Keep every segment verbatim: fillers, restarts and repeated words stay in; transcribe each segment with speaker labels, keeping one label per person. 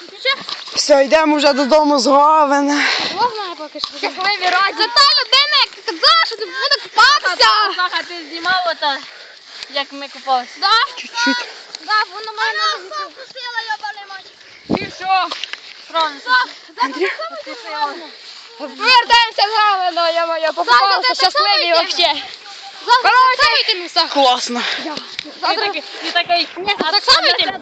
Speaker 1: Все, йдемо вже додому з Говена.
Speaker 2: Можна я поки що? Як ви вірать. Це та людина, яка казала, що ти буде купатися.
Speaker 3: Слаха, ти знімав ото, як ми купалися?
Speaker 2: Да?
Speaker 1: Чуть-чуть.
Speaker 2: Да, воно мене не запустила, йобаний мать.
Speaker 3: І що? Правильно.
Speaker 1: Андрій.
Speaker 2: Вертаємося з Говена, я моя покупалася, щасливі вообще. Завтра так само місця.
Speaker 1: Класно.
Speaker 2: Завтра
Speaker 3: І такий.
Speaker 2: Ні, це так само йти.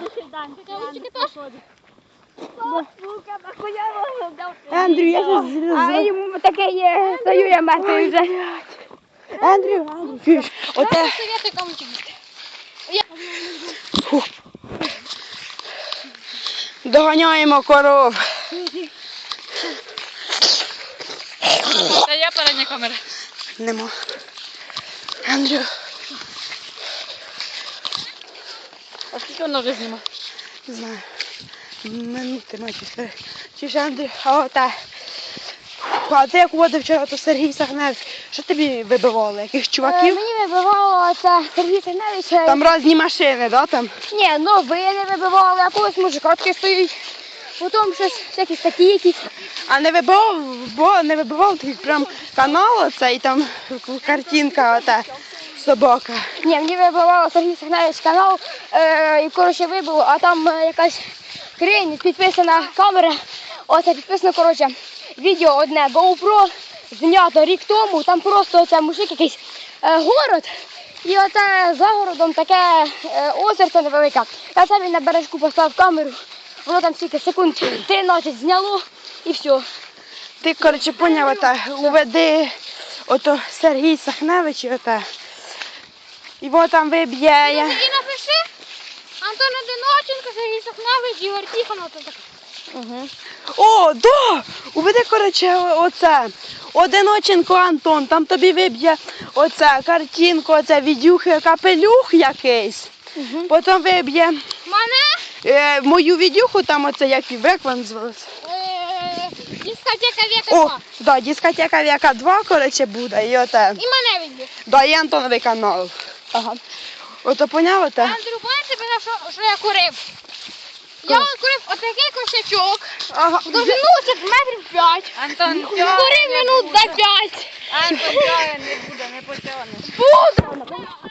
Speaker 1: Андрій, я
Speaker 2: А
Speaker 1: зараз...
Speaker 2: йому таке є, стою я мертвий вже.
Speaker 1: Андрій, Андрій, чуєш? Оте...
Speaker 2: Советую кому їсти.
Speaker 1: Фух. Доганяємо коров.
Speaker 3: Та є передня камера.
Speaker 1: Нема. Андрю.
Speaker 3: А скільки воно вже знімає?
Speaker 1: Не знаю. Минути має чотири. Чи ж Андрій, а оте. А ти як водив вчора, то Сергій Сагневич. Що тобі вибивало? Яких чуваків?
Speaker 2: Мені вибивало це Сергій Сигневич.
Speaker 1: Там різні машини, да, там?
Speaker 2: Ні, ну ви не вибивали, якогось мужика таки стоїть. Потім щось, всякі статті якісь.
Speaker 1: А не вибивав, бо не вибивав такий прям канал оцей, і там картинка ота, собака.
Speaker 2: Ні, мені вибивало Сергій Сигневич канал, е, і коротше вибило, а там е, якась хрень, підписана камера. Оце підписано, коротше, відео одне GoPro, знято рік тому, там просто оце мужик якийсь е, город. І оце за городом таке е, озерце невелике. А це він на бережку поставив камеру, воно там стільки секунд тринадцять зняло і все.
Speaker 1: Ти, коротше, поняв, ота, уведи ото Сергій Сахневич і ота. Його там виб'є.
Speaker 2: І напиши Антон Одиноченко, Сергій Сахневич, Ігор Тихонов.
Speaker 1: Угу. О, да! Уведи, коротше, оце. Одиноченко Антон, там тобі виб'є оце картинку, оце відюхи, капелюх якийсь.
Speaker 2: Угу.
Speaker 1: Потім виб'є
Speaker 2: Мене?
Speaker 1: е, мою відюху, там оце як і як вона називається.
Speaker 2: Е, Дискотека Века
Speaker 1: О,
Speaker 2: два.
Speaker 1: да, дискотека Века два, коротше, буде, і оте.
Speaker 2: І мене відбіг.
Speaker 1: Да, і Антоновий канал. Ага. Ото поняв оте?
Speaker 2: Андрю, пам'ятаєш, тебе, що, що я курив? Я он курив отакий кошачок.
Speaker 1: Ага.
Speaker 2: Довжину це метрів п'ять.
Speaker 3: Антон,
Speaker 2: Курив минут за п'ять.
Speaker 3: Антон, не буде, не потягне.
Speaker 2: Буду!